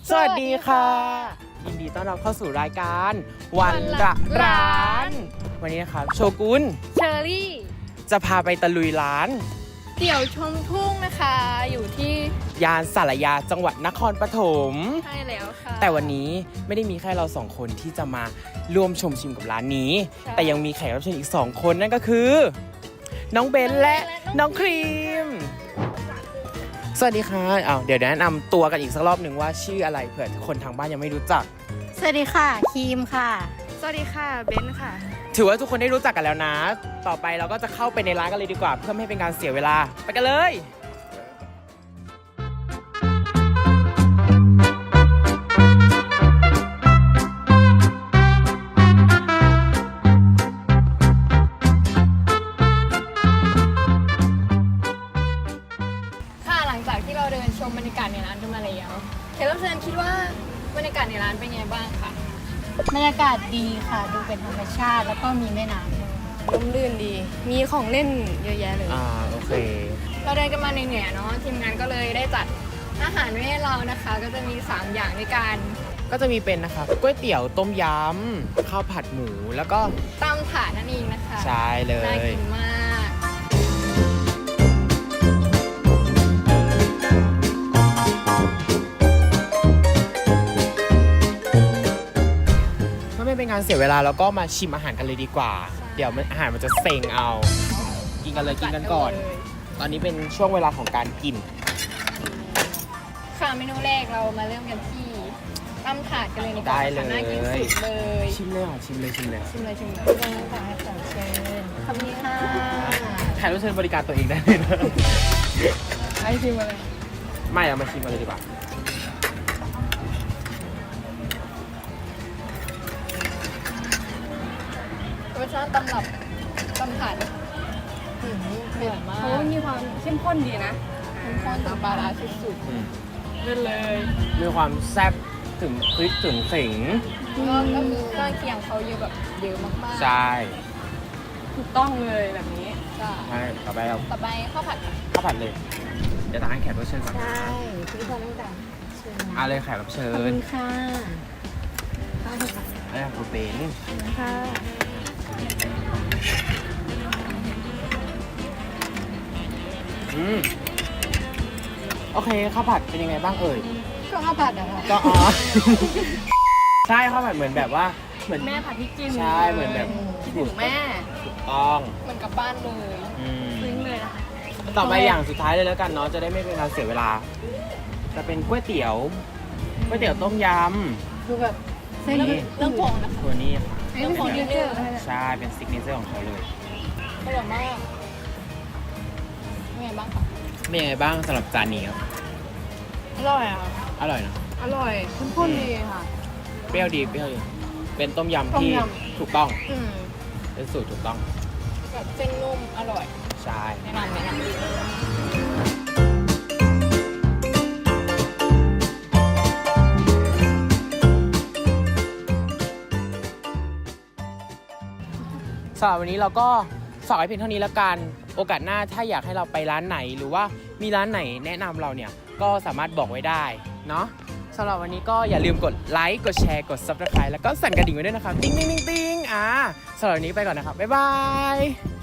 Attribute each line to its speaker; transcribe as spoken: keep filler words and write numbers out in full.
Speaker 1: สวัสดีค่ะยินดีต้อนรับเข้าสู่รายการวันละร้านวันนี้นะครับโชกุน
Speaker 2: เชอรี่
Speaker 1: จะพาไปตะลุยร้าน
Speaker 2: เตี๋ยวชมทุ่งนะคะอยู่ที่
Speaker 1: ยานสารยาจังหวัดนครปฐม
Speaker 2: ใช่แล้วค่ะ
Speaker 1: แต่วันนี้ไม่ได้มีแค่เราสองคนที่จะมาร่วมชมชิมกับร้านนี้แต่ยังมีแขกรับเชิญอีกสองคนนั่นก็คือน้องเบนและน้องครีมสวัสดีค่ะอ้าวเดี๋ยวแนะนำตัวกันอีกสักรอบหนึ่งว่าชื่ออะไรเผื่อคนทางบ้านยังไม่รู้จัก
Speaker 3: สวัสดีค่ะครีมค่ะ
Speaker 2: สวัสดีค่ะเบนค่ะ
Speaker 1: ถือว่าทุกคนได้รู้จักกันแล้วนะต่อไปเราก็จะเข้าไปในร้านกันเลยดีกว่าเพื่อไม่ให้เป็นการเสียเวลาไปกันเลย
Speaker 2: ค่ะหลังจากที่เราเดินชมบรรยากาศในร้านกันมาแล้วแขกรับเชิญคิดว่าบรรยากาศในร้านเป็นไงบ้างคะ
Speaker 3: บรรยากาศดีค่ะดูเป็นธรรมชาติแล้วก็มีแม่น้ำ
Speaker 2: ร่มรื่นดีมีของเล่นเยอะแยะเลย
Speaker 1: อ่าโอเค
Speaker 2: เราเดินกันมาเหนื่อยๆเนาะทีมงานก็เลยได้จัดอาหารไว้ให้เรานะคะก็จะมีสามอย่างด้วยกัน
Speaker 1: ก็จะมีเป็นนะคะก๋วยเตี๋ยวต้มยำข้าวผัดหมูแล้วก็
Speaker 2: ตำถาดนั่นเองนะคะ
Speaker 1: ใช่เลย
Speaker 2: น่ากินมาก
Speaker 1: ไม่เป็นการเสียเวลาแล้วก็มาชิมอาหารกันเลยดีกว่าเดี๋ยวอาหารมันจะเซ็งเอากินกันเลยกินกันก่อนตอนนี้เป็นช่วงเวลาของการกิน
Speaker 2: ค่ะเมนูแรกเรามาเริ่มกันที่ตำถาดกันเลยดีกว่าค่ะน่ากินสุดเลย
Speaker 1: ชิมเลยค่ะชิมเลยชิมเลย
Speaker 2: ชิมเลยชิมเลย
Speaker 3: เป็นน้ำตาลให้ของเชิญขอบคุณค่ะ
Speaker 1: ใครรู้เชิญบริการตัวเองได้เลยนะ
Speaker 2: ให้ชิมมาเลย
Speaker 1: ไม่เอามาชิมมาเลยดีกว่า
Speaker 2: รสชาติตำรับตำถาดเผ็ดมาก
Speaker 3: เขามีความเข้มข้นดีนะ
Speaker 2: เข้มข้นปลาร้าสุดๆเล่นเลย
Speaker 1: มีความแซ่บถึงพริกถึงขิง
Speaker 2: ก็ก็มีเครื่องเคียงเขาเยอะแบบเยอะมากๆ
Speaker 1: ใช่
Speaker 2: ถูกต้องเลยแบบนี้
Speaker 1: ใช่ต่อไปเรา
Speaker 2: ต่อไปข้าวผัด
Speaker 1: ข้าวผัดเลยเดี๋ยวตาให้แขกรับเชิญก่อน
Speaker 3: ใช่พี่พอตั้งแต่เชิญนะ
Speaker 1: เอาเลยแขกรับเชิญ
Speaker 3: ขอบคุณค่ะข้าวผัด
Speaker 1: อะไรของคุณเป็น
Speaker 3: ค่ะ
Speaker 1: อืมโอเคข้าวผัดเป็นยังไงบ้างเอ่ย
Speaker 3: ก็ข้าวผัดอะค่ะ
Speaker 1: ก็อ๋อใช่ข้าวผัดเหมือนแบบว่าเหมือน
Speaker 2: แม่ผัดพริกจิ้ม
Speaker 1: ใช่เหมือนแบบ
Speaker 2: คิดถึงแม่
Speaker 1: ถูกต้อง
Speaker 2: เหมือนกับบ้านเลยซึ้งเลยนะคะ
Speaker 1: ต่อไปอย่างสุดท้ายเลยแล้วกันเนาะจะได้ไม่เป็นการเสียเวลาจะเป็นก๋วยเตี๋ยวก๋วยเตี๋ยวต้มย
Speaker 3: ำคือแบบ
Speaker 2: เรื่องเรื่องผงนะคะ
Speaker 1: ตัวนี้ค่ะ
Speaker 2: เรื่องผงดิเนอร์
Speaker 1: ใช่เป็นซิกเนเจอร์ของเขาเลย
Speaker 2: อร่อยมากเป็นไงบ้างคะ
Speaker 1: เป็นยังไงบ้างสำหรับจานนี้ครับ
Speaker 2: อร่อยอ่ะ
Speaker 1: อร่อยนะ
Speaker 2: อร่อยเข้มข้นดีค่ะ
Speaker 1: เปรี้ยวดีเปรี้ยวดีเป็นต้มยำที่ถูกต้องเป็นสูตรถูกต้อง
Speaker 2: แบบเส้นนุ่มอร่อย
Speaker 1: ใช่
Speaker 2: แนะนำแนะนำ
Speaker 1: สำหรับวันนี้เราก็ฝากไว้เพียงเท่านี้แล้วกันโอกาสหน้าถ้าอยากให้เราไปร้านไหนหรือว่ามีร้านไหนแนะนำเราเนี่ยก็สามารถบอกไว้ได้เนาะสำหรับวันนี้ก็อย่าลืมกดไลค์กดแชร์กด ซับสไครบ์ แล้วก็สั่นกระดิ่งไว้ด้วยนะครับติ๊งติ๊งติ๊งติ๊งอ่าสำหรับวันนี้ไปก่อนนะครับบ๊ายบาย